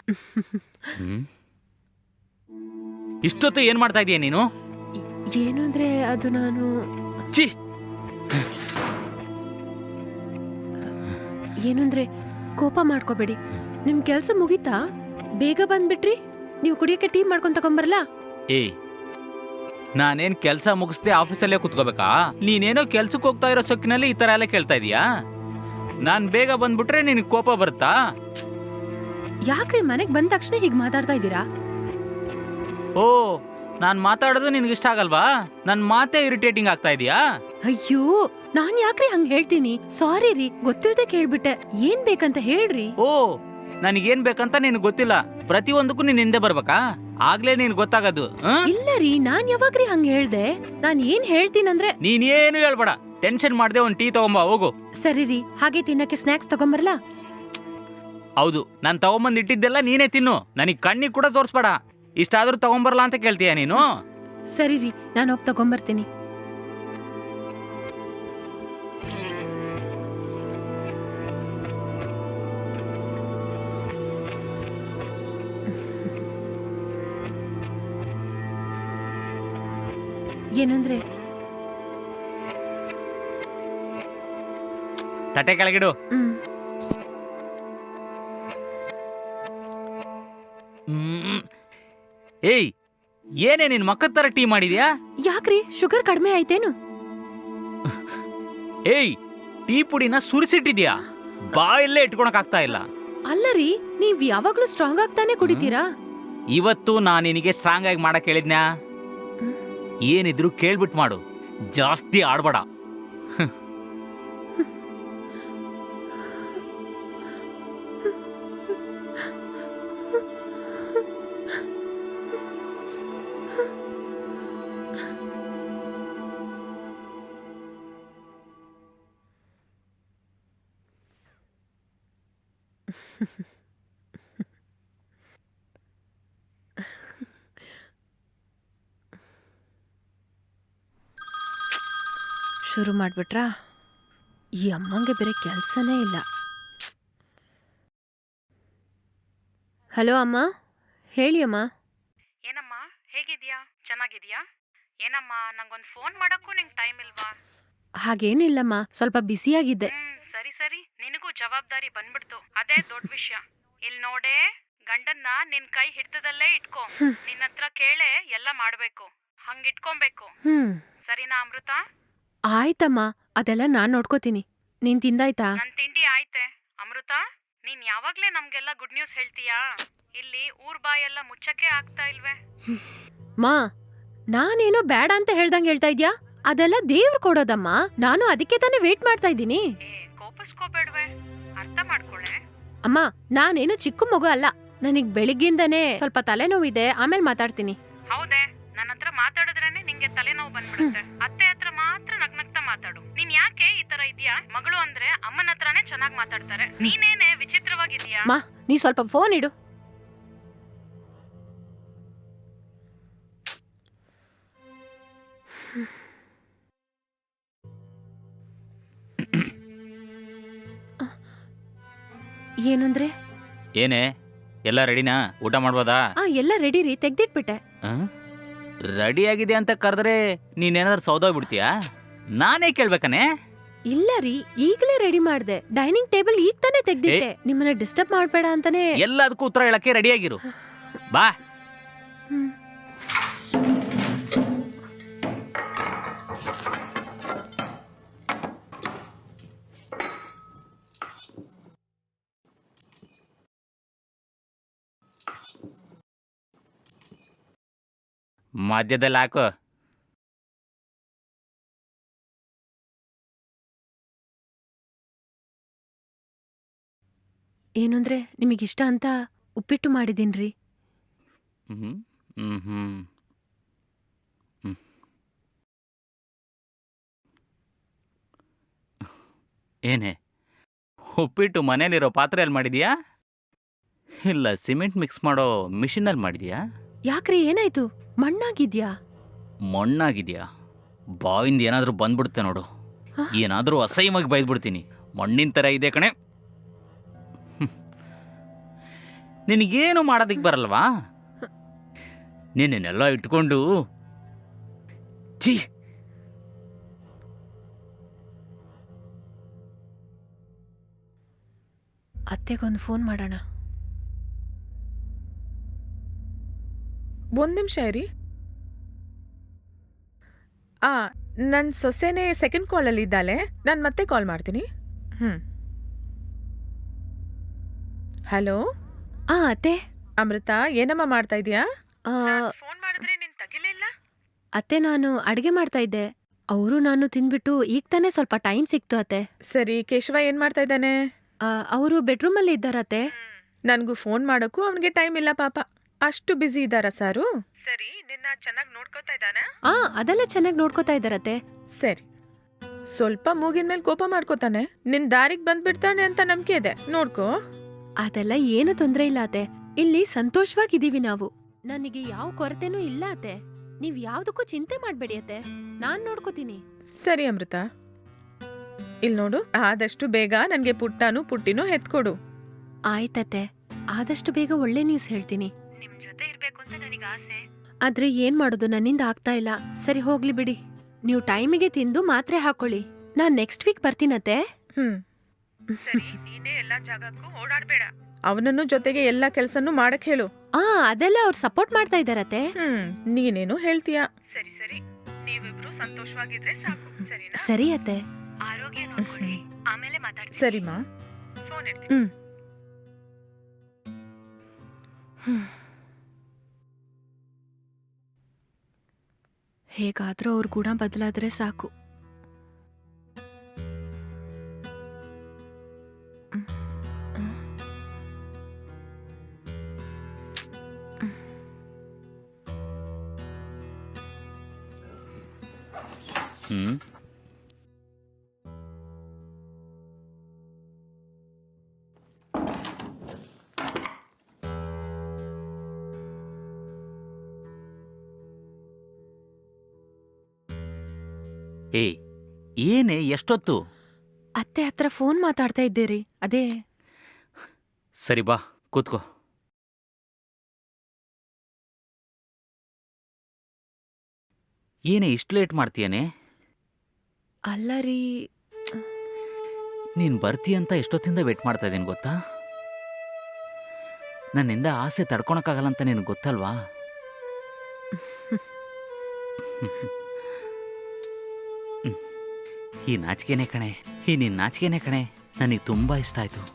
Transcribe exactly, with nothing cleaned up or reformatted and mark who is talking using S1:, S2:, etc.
S1: ಹ್ಮ್ ಇಷ್ಟೊತ್ತು ಏನ್ ಮಾಡ್ತಾ ಇದೀಯ ನೀನು?
S2: ಏನು ಅಂದ್ರೆ ಅದು ನಾನು
S1: ಛೀ
S2: ಏನು ಅಂದ್ರೆ ಕೋಪ ಮಾಡ್ಕೋಬೇಡಿ. ನಿಮ್ ಕೆಲ್ಸ ಮುಗೀತಾ? ಬೇಗ ಬಂದ್ಬಿಟ್ರಿ. ನೀವು ಕುಡಿಯಕ್ಕೆ ಟೀ ಮಾಡ್ಕೊಂಡ್ ತಗೊಂಬರಲ್ಲ?
S1: ಏಯ್ ನಾನೇನ್ ಕೆಲ್ಸ ಮುಗಿಸ್ದೆ ಆಫೀಸಲ್ಲೇ ಕುತ್ಕೋಬೇಕಾ? ನೀನೇನೋ ಕೆಲ್ಸಕ್ಕೆ ಹೋಗ್ತಾ ಇರೋ ಸೊಕ್ಕಿನಲ್ಲಿ ಈ ತರ ಎಲ್ಲ ಕೇಳ್ತಾ ಇದೀಯಾ? ನಾನ್ ಬೇಗ ಬಂದ್ಬಿಟ್ರೆ ನಿನಗೆ ಕೋಪ ಬರುತ್ತಾ?
S2: ಯಾಕ್ರಿ ಮನೆಗ್ ಬಂದ ತಕ್ಷಣ ಹೀಗ್ ಮಾತಾಡ್ತಾ ಇದ್ದೀರಾ?
S1: ಓ ನಾನ್ ಮಾತಾಡೋದು ನಿನ್ಗೆ ಇಷ್ಟ ಆಗಲ್ವಾ? ನನ್ ಮಾತೇ ಇರಿಟೇಟಿಂಗ್ ಆಗ್ತಾ ಇದೀಯಾ?
S2: ಅಯ್ಯೋ, ನಾನ್ ಯಾಕ್ರಿ ಹಂಗ್ ಹೇಳ್ತೀನಿ? ಸಾರಿ ರೀ, ಗೊತ್ತಿಲ್ದೆ ಕೇಳ್ಬಿಟ್ಟೆ. ಏನ್ ಬೇಕಂತ ಹೇಳ್ರಿ.
S1: ಓ ನನಗೇನ್ ಬೇಕಂತ ನಿನ್ಗೆ ಗೊತ್ತಿಲ್ಲ. ಪ್ರತಿಯೊಂದಕ್ಕೂ ನೀನ್ ಹಿಂದೆ ಬರ್ಬೇಕಾ? ಆಗ್ಲೇ ನೀನ್ ಗೊತ್ತಾಗದು.
S2: ಇಲ್ಲ ರೀ, ನಾನ್ ಯಾವಾಗ್ರಿ ಹಂಗ್ ಹೇಳ್ದೆ? ನಾನ್ ಏನ್ ಹೇಳ್ತೀನಂದ್ರೆ
S1: ನೀನೇನು ಹೇಳ್ಬೇಡ. ಟೆನ್ಷನ್ ಮಾಡ್ದೆ ಒಂದ್ ಟೀ ತಗೊಂಬ ಹೋಗು.
S2: ಸರಿ ರೀ, ಹಾಗೆ ತಿನ್ನಕ್ಕೆ ಸ್ನಾಕ್ಸ್ ತಗೊಂಬರಲ್ಲ?
S1: ಹೌದು, ನಾನ್ ತಗೊಂಬಂದ್ ಇಟ್ಟಿದ್ದೆಲ್ಲ ನೀನೇ ತಿನ್ನು. ನನಗ್ ಕಣ್ಣಿಗೆ ಕೂಡ ತೋರ್ಸ್ಬೇಡ. ಇಷ್ಟಾದ್ರೂ ತಗೊಂಬರಲ್ಲ ಅಂತ ಕೇಳ್ತೀಯ ನೀನು?
S2: ಸರಿ ರೀ, ನಾನು ಹೋಗಿ ತಗೊಂಬರ್ತೀನಿ. ಏನಂದ್ರೆ
S1: ತಟ್ಟೆ ಕೆಳಗಿಡು.
S2: ಹ್ಮ್
S1: ಹ್ಮ್. ಏಯ್ ಏನೇ ನಿನ್ ಮಕ್ಕದ ತರ ಟೀ ಮಾಡಿದ್ಯಾ?
S2: ಯಾಕ್ರಿ, ಶುಗರ್ ಕಡಿಮೆ ಆಯ್ತೇನು?
S1: ಏಯ್ ಟೀ ಪುಡಿನ ಸುರಿಸಿಟ್ಟಿದ್ಯಾ? ಬಾಯಲ್ಲೇ ಇಟ್ಕೊಳಕ್ ಆಗ್ತಾ ಇಲ್ಲ.
S2: ಅಲ್ಲ ರೀ, ನೀವ್ ಯಾವಾಗ್ಲೂ ಸ್ಟ್ರಾಂಗ್ ಆಗ್ತಾನೆ ಕುಡಿತೀರಾ?
S1: ಇವತ್ತು ನಾನು ನಿನಗೆ ಸ್ಟ್ರಾಂಗ್ ಆಗಿ ಮಾಡಕ್ ಹೇಳಿದ್ನ್ಯಾ? ಏನಿದ್ರು ಕೇಳ್ಬಿಟ್ ಮಾಡು, ಜಾಸ್ತಿ ಆಡ್ಬೇಡ.
S2: ಶುರು ಮಾಡ್ಬಿಟ್ರಾ? ಈ ಅಮ್ಮಂಗೆ ಬೇರೆ ಕೆಲ್ಸನೇ ಇಲ್ಲ. ಹಲೋ ಅಮ್ಮ, ಹೇಳಿ ಅಮ್ಮ.
S3: ಏನಮ್ಮ, ಹೇಗಿದ್ಯಾ? ಚೆನ್ನಾಗಿದ್ಯಾ? ಏನಮ್ಮ, ನಂಗೊಂದು ಫೋನ್ ಮಾಡಕ್ಕೂ ನಿಂಗೆ ಟೈಮ್ ಇಲ್ವಾ?
S2: ಹಾಗೇನಿಲ್ಲಮ್ಮ, ಸ್ವಲ್ಪ ಬ್ಯುಸಿಯಾಗಿದ್ದೆ.
S3: ಹ್ಮ್ ಸರಿ ಸರಿ, ನಿನಗೂ ಜವಾಬ್ದಾರಿ ಬಂದ್ಬಿಡ್ತು, ಅದೇ ದೊಡ್ಡ ವಿಷಯ. ಇಲ್ಲಿ ನೋಡೆ, ಗಂಡನ್ನ ನಿನ್ ಕೈ ಹಿಡ್ತದಲ್ಲೇ ಇಟ್ಕೋ. ನಿನ್ನ ಹತ್ರ ಕೇಳೆ ಎಲ್ಲ ಮಾಡ್ಬೇಕು, ಹಂಗಿಟ್ಕೊಬೇಕು.
S2: ಹ್ಮ್
S3: ಸರಿನಾ ಅಮೃತ?
S2: ಆಯ್ತಮ್ಮ, ಅದೆಲ್ಲ ನಾನ್ ನೋಡ್ಕೋತೀನಿ. ನೀನ್ ತಿಂದಾಯ್ತಾ?
S3: ನನ್ ತಿಂಡಿ ಆಯ್ತೆ. ಅಮೃತ, ನೀನ್ ಯಾವಾಗ್ಲೇ ನಮ್ಗೆಲ್ಲ ಗುಡ್ ನ್ಯೂಸ್ ಹೇಳ್ತೀಯಾ? ಇಲ್ಲಿ ಊರ್ ಬಾಯೆಲ್ಲ ಮುಚ್ಚಕ್ಕೆ ಆಗ್ತಾ ಇಲ್ವೇ?
S2: ಮಾ, ನಾನೇನೋ ಬೇಡ ಅಂತ ಹೇಳ್ದಂಗ್ ಹೇಳ್ತಾ ಇದ್ಯಾ? ಅದೆಲ್ಲ ದೇವ್ರು ಕೊಡೋದಮ್ಮ. ನಾನು ಅದಕ್ಕೆ ತಾನೇ ವೇಟ್ ಮಾಡ್ತಾ ಇದ್ದೀನಿ.
S3: ಏ ಕೋಪಿಸ್ಕೋಬೇಡ್ವೆ, ಅರ್ಥ ಮಾಡ್ಕೊಳೆ.
S2: ಅಮ್ಮ, ನಾನೇನು ಚಿಕ್ಕ ಮಗು ಅಲ್ಲ. ನನಗ್ ಬೆಳಿಗ್ಗಿಂದನೇ ಸ್ವಲ್ಪ ತಲೆನೋವಿದೆ, ಆಮೇಲೆ ಮಾತಾಡ್ತೀನಿ.
S3: ಹೌದೇ, ನನ್ನ ಹತ್ರ ಮಾತಾಡಿದ್ರೇನೆ ನಿಂಗೆ ತಲೆನೋವು ಬಂದ್ಬಿಡುತ್ತೆ. ಅತ್ತೆ ಹತ್ರ ಮಾತ್ರ ನಗ್ನಗ್ತಾ ಮಾತಾಡು. ನೀನ್ ಯಾಕೆ ಈ ತರ ಇದೀಯಾ? ಮಗಳು ಅಂದ್ರೆ ಅಮ್ಮನ ಹತ್ರನೇ ಚೆನ್ನಾಗ್ ಮಾತಾಡ್ತಾರೆ, ನೀನೇನೆ ವಿಚಿತ್ರವಾಗಿದೀಯಾ?
S2: ಮಾ, ನೀ ಸ್ವಲ್ಪ ಫೋನ್ ಇಡು. ಏನಂದ್ರೆ?
S1: ಏನೇ ಎಲ್ಲ ರೆಡಿನಾ? ಊಟ ಮಾಡ್ಬೋದಾ?
S2: ಆ ಎಲ್ಲ ರೆಡಿ ರೀ, ತೆಗ್ದಿಟ್ಬಿಟ್ಟೆ.
S1: ರೆಡಿ ಆಗಿದೆ ಅಂತ ಕರೆದ್ರೆ ನೀನೇನಾದ್ರೂ ಸೌದೋಗ್ಬಿಡ್ತೀಯಾ? ನಾನೇ ಕೇಳ್ಬೇಕಾನೆ?
S2: ಇಲ್ಲ ರೀ, ಈಗಲೇ ರೆಡಿ ಮಾಡ್ದೆ. ಡೈನಿಂಗ್ ಟೇಬಲ್ ಈಗ ತಾನೇ ತೆಗ್ದಿಟ್ಟೆ. ನಿಮ್ಮನ್ನ ಡಿಸ್ಟರ್ಬ್ ಮಾಡ್ಬೇಡ ಅಂತಾನೆ.
S1: ಎಲ್ಲದಕ್ಕೂ ಉತ್ತರ ಹೇಳಕ್ಕೆ ರೆಡಿ ಆಗಿರು. ಬಾ.
S2: ಹ್ಮ್.
S1: ಮಧ್ಯದಲ್ಲಿ ಹಾಕು.
S2: ಏನಂದ್ರೆ ನಿಮಗಿಷ್ಟ ಅಂತ ಉಪ್ಪಿಟ್ಟು ಮಾಡಿದೀನ್ರಿ.
S1: ಹ್ಮ್ ಹ್ಮ್ ಹ್ಮ್ ಹ್ಮ್. ಏನೇ ಉಪ್ಪಿಟ್ಟು ಮನೇಲಿರೋ ಪಾತ್ರೆಯಲ್ಲಿ ಮಾಡಿದ್ಯಾ ಇಲ್ಲ ಸಿಮೆಂಟ್ ಮಿಕ್ಸ್ ಮಾಡೋ ಮಿಷಿನಲ್ಲಿ ಮಾಡಿದ್ಯಾ?
S2: ಯಾಕ್ರಿ, ಏನಾಯ್ತು? ಮಣ್ಣಾಗಿದ್ಯಾ?
S1: ಮಣ್ಣಾಗಿದ್ಯಾ? ಬಾವಿಂದ ಏನಾದರೂ ಬಂದ್ಬಿಡುತ್ತೆ ನೋಡು.
S2: ಹ?
S1: ಏನಾದರೂ ಅಸಹ್ಯವಾಗಿ ಬೈದ್ಬಿಡ್ತೀನಿ. ಮಣ್ಣಿನ ಥರ ಇದೆ ಕಣೆ. ನಿನಗೇನು ಮಾಡೋದಕ್ಕೆ ಬರಲ್ವಾ? ನಿನ್ನೆಲ್ಲ ಇಟ್ಕೊಂಡು ಛೀ.
S2: ಅತ್ತೆಗೊಂದು ಫೋನ್ ಮಾಡೋಣ.
S4: ಒಂದು ನಿಮಿಷ ಇರಿ. ಆ ನನ್ನ ಸೊಸೆನೇ ಸೆಕೆಂಡ್ ಕಾಲಲ್ಲಿ ಇದ್ದಾಳೆ, ನಾನು ಮತ್ತೆ ಕಾಲ್ ಮಾಡ್ತೀನಿ. ಹ್ಞೂ ಹಲೋ
S2: ಆ ಅತ್ತೆ,
S4: ಅಮೃತ, ಏನಮ್ಮ ಮಾಡ್ತಾ ಇದೀಯಾ?
S2: ಆ,
S4: ಫೋನ್ ಮಾಡಿದ್ರೆ ನೀನು ತಗಿಲೇ ಇಲ್ಲ.
S2: ಅತ್ತೆ ನಾನು ಅಡಿಗೆ ಮಾಡ್ತಾ ಇದ್ದೆ. ಅವರು ನಾನು ತಿಂದ್ಬಿಟ್ಟು ಈಗ ತಾನೇ ಸ್ವಲ್ಪ ಟೈಮ್ ಸಿಕ್ತು ಅತ್ತೆ.
S4: ಸರಿ, ಕೇಶವ ಏನು ಮಾಡ್ತಾ ಇದ್ದಾನೆ?
S2: ಅವರು ಬೆಡ್ರೂಮಲ್ಲಿ ಇದ್ದಾರತ್ತೆ.
S4: ನನಗೂ ಫೋನ್ ಮಾಡೋಕ್ಕೂ ಅವನಿಗೆ ಟೈಮ್ ಇಲ್ಲ ಪಾಪ, ಅಷ್ಟು ಬ್ಯುಸಿ ಇದ್ದಾರಾ ಸಾರು? ಸರಿ, ನಿನ್ನ ಚೆನ್ನಾಗಿ ನೋಡ್ಕೋತಾ ಇದ್ದಾನೆ?
S2: ಆ ಅದೆಲ್ಲ ಚೆನ್ನಾಗಿ ನೋಡ್ಕೋತಾ ಇದ್ದಾರತ್ತೆ.
S4: ಸರಿ, ಸ್ವಲ್ಪ ಮೂಗಿನ ಮೇಲೆ ಕೋಪ ಮಾಡ್ಕೋತಾನೆ, ನಿನ್ ದಾರಿಗೆ ಬಂದ್ಬಿಡ್ತಾನೆ ಅಂತ ನಂಬಿಕೆ ಇದೆ, ನೋಡ್ಕೋ.
S2: ಅದೆಲ್ಲ ಏನು ತೊಂದ್ರೆ ಇಲ್ಲ ಅತ್ತೆ. ಇಲ್ಲಿ ಸಂತೋಷವಾಗಿದ್ದೀವಿ ನಾವು. ನನಗೆ ಯಾವ ಕೊರತೆನೂ ಇಲ್ಲ ಅತ್ತೆ. ನೀವ್ ಯಾವ್ದಕ್ಕೂ ಚಿಂತೆ ಮಾಡ್ಬೇಡಿ ಅತ್ತೆ, ನಾನ್ ನೋಡ್ಕೋತೀನಿ.
S4: ಸರಿ ಅಮೃತ, ಇಲ್ಲಿ ನೋಡು, ಆದಷ್ಟು ಬೇಗ ನನಗೆ ಪುಟ್ಟನು ಪುಟ್ಟಿನೂ ಹೆತ್ಕೊಡು.
S2: ಆಯ್ತತ್ತೆ, ಆದಷ್ಟು ಬೇಗ ಒಳ್ಳೆ ನ್ಯೂಸ್ ಹೇಳ್ತೀನಿ.
S3: ನಿಮ್ ಜೊತೆ ಇರ್ಬೇಕು ಅಂತ ನನಗೆ ಆಸೆ.
S2: ಆದ್ರೆ ಏನ್ ಮಾಡೋದು, ನನ್ನಿಂದ ಆಗ್ತಾ ಇಲ್ಲ. ಸರಿ ಹೋಗ್ಲಿ ಬಿಡಿ, ನೀವು ಟೈಮಿಗೆ ತಿಂದು ಮಾತ್ರೆ ಹಾಕೊಳ್ಳಿ. ನಾನ್ ನೆಕ್ಸ್ಟ್ ವೀಕ್ ಬರ್ತೀನತ್ತೆ.
S4: ಹ್ಮ್ ಸರಿ, ನೀನೇ ಎಲ್ಲಾ ಜಾಗಕ್ಕೂ ಓಡಾಡ್ಬೇಡ. ಅವನನ್ನು ಜೊತೆಗೆ ಎಲ್ಲಾ ಕೆಲ್ಸನೂ ಮಾಡಕ್ ಹೇಳು.
S2: ಆ ಅದೆಲ್ಲ ಅವ್ರು ಸಪೋರ್ಟ್ ಮಾಡ್ತಾ ಇದಾರತ್ತೆ.
S4: ಹ್ಮ್ ನೀನೇನು ಹೇಳ್ತೀಯಾ? ಸರಿ ಸರಿ, ನೀವಿಬ್ರು ಸಂತೋಷವಾಗಿದ್ರೆ ಸಾಕು, ಸರಿನಾ?
S2: ಸರಿ ಅತ್ತೆ.
S3: ಆರೋಗ್ಯ ನೋಡ್ಕೊಳ್ಳಿ, ಆಮೇಲೆ ಮಾತಾಡ್ತೀನಿ.
S4: ಸರಿಮಾ, ಫೋನ್ ಇಡ್ತೀನಿ.
S2: ಹ್ಮ್ ಹ್ಮ್. ಹೇಗಾದ್ರೂ ಅವ್ರ ಗುಣ ಬದಲಾದ್ರೆ ಸಾಕು.
S1: ಹ್ಮ್ ಏಯ್, ಏನೇ ಎಷ್ಟೊತ್ತು?
S2: ಅತ್ತೆ ಹತ್ರ ಫೋನ್ ಮಾತಾಡ್ತಾ ಇದ್ದೀರಿ, ಅದೇ.
S1: ಸರಿ ಬಾ ಕೂತ್ಕೋ. ಏನೇ ಇಷ್ಟು ಲೇಟ್ ಮಾಡ್ತೀಯನೇ?
S2: ಅಲ್ಲ ರೀ,
S1: ನೀನು ಬರ್ತೀಯ ಅಂತ ಎಷ್ಟೊತ್ತಿಂದ ವೇಟ್ ಮಾಡ್ತಾ ಇದ್ದೀನಿ ಗೊತ್ತಾ? ನನ್ನಿಂದ ಆಸೆ ತಡ್ಕೊಳಕ್ಕಾಗಲ್ಲ ಅಂತ ನಿನಗೆ ಗೊತ್ತಲ್ವಾ? ಈ ನಾಚಿಕೆನೇ ಕಣೆ, ಈ ನಿನ್ನ ನಾಚಿಕೆನೇ ಕಣೆ ನನಗೆ ತುಂಬ ಇಷ್ಟ ಆಯಿತು.